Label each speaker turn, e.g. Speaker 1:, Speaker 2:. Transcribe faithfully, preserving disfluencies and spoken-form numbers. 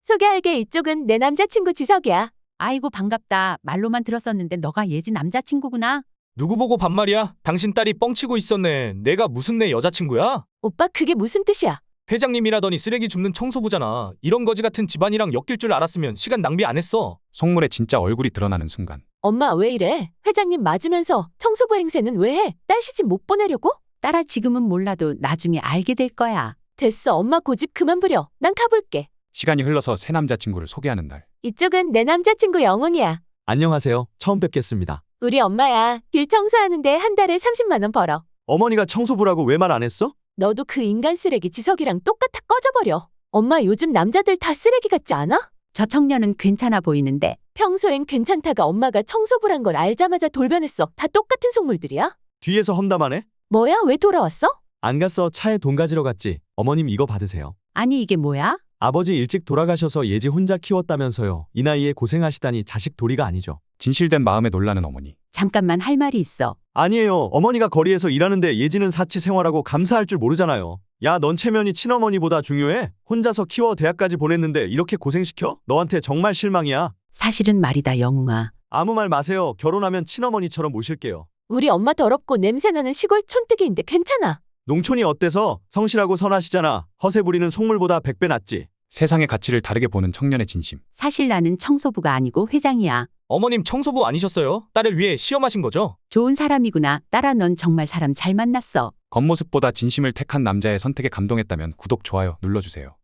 Speaker 1: 소개할게. 이쪽은 내 남자친구 지석이야.
Speaker 2: 아이고 반갑다. 말로만 들었었는데 너가 예지 남자친구구나.
Speaker 3: 누구 보고 반말이야? 당신 딸이 뻥치고 있었네. 내가 무슨 내 여자친구야?
Speaker 1: 오빠 그게 무슨 뜻이야?
Speaker 3: 회장님이라더니 쓰레기 줍는 청소부잖아. 이런 거지 같은 집안이랑 엮일 줄 알았으면 시간 낭비 안 했어.
Speaker 4: 속물의 진짜 얼굴이 드러나는 순간
Speaker 1: 엄마 왜 이래? 회장님 맞으면서 청소부 행세는 왜 해? 딸 시집 못 보내려고?
Speaker 2: 딸아 지금은 몰라도 나중에 알게 될 거야.
Speaker 1: 됐어. 엄마 고집 그만 부려. 난 가볼게.
Speaker 4: 시간이 흘러서 새 남자친구를 소개하는 날.
Speaker 1: 이쪽은 내 남자친구 영훈이야.
Speaker 5: 안녕하세요. 처음 뵙겠습니다.
Speaker 1: 우리 엄마야. 길 청소하는데 한 달에 삼십만 원 벌어.
Speaker 5: 어머니가 청소부라고 왜 말 안 했어?
Speaker 1: 너도 그 인간 쓰레기 지석이랑 똑같아. 꺼져버려. 엄마 요즘 남자들 다 쓰레기 같지 않아?
Speaker 2: 저 청년은 괜찮아 보이는데.
Speaker 1: 평소엔 괜찮다가 엄마가 청소부란 걸 알자마자 돌변했어. 다 똑같은 속물들이야?
Speaker 5: 뒤에서 험담하네?
Speaker 1: 뭐야? 왜 돌아왔어?
Speaker 5: 안 갔어. 차에 돈 가지러 갔지. 어머님 이거 받으세요.
Speaker 2: 아니 이게 뭐야?
Speaker 5: 아버지 일찍 돌아가셔서 예지 혼자 키웠다면서요. 이 나이에 고생하시다니 자식 도리가 아니죠.
Speaker 4: 진실된 마음에 놀라는 어머니.
Speaker 2: 잠깐만 할 말이 있어.
Speaker 5: 아니에요. 어머니가 거리에서 일하는데 예지는 사치 생활하고 감사할 줄 모르잖아요. 야, 넌 체면이 친어머니보다 중요해? 혼자서 키워 대학까지 보냈는데 이렇게 고생시켜? 너한테 정말 실망이야.
Speaker 2: 사실은 말이다 영웅아.
Speaker 5: 아무 말 마세요. 결혼하면 친어머니처럼 모실게요.
Speaker 1: 우리 엄마 더럽고 냄새나는 시골 촌뜨기인데 괜찮아.
Speaker 5: 농촌이 어때서? 성실하고 선하시잖아. 허세 부리는 속물보다 백 배 낫지.
Speaker 4: 세상의 가치를 다르게 보는 청년의 진심.
Speaker 2: 사실 나는 청소부가 아니고 회장이야.
Speaker 3: 어머님 청소부 아니셨어요? 딸을 위해 시험하신 거죠?
Speaker 2: 좋은 사람이구나. 딸아 넌 정말 사람 잘 만났어.
Speaker 4: 겉모습보다 진심을 택한 남자의 선택에 감동했다면 구독, 좋아요 눌러주세요.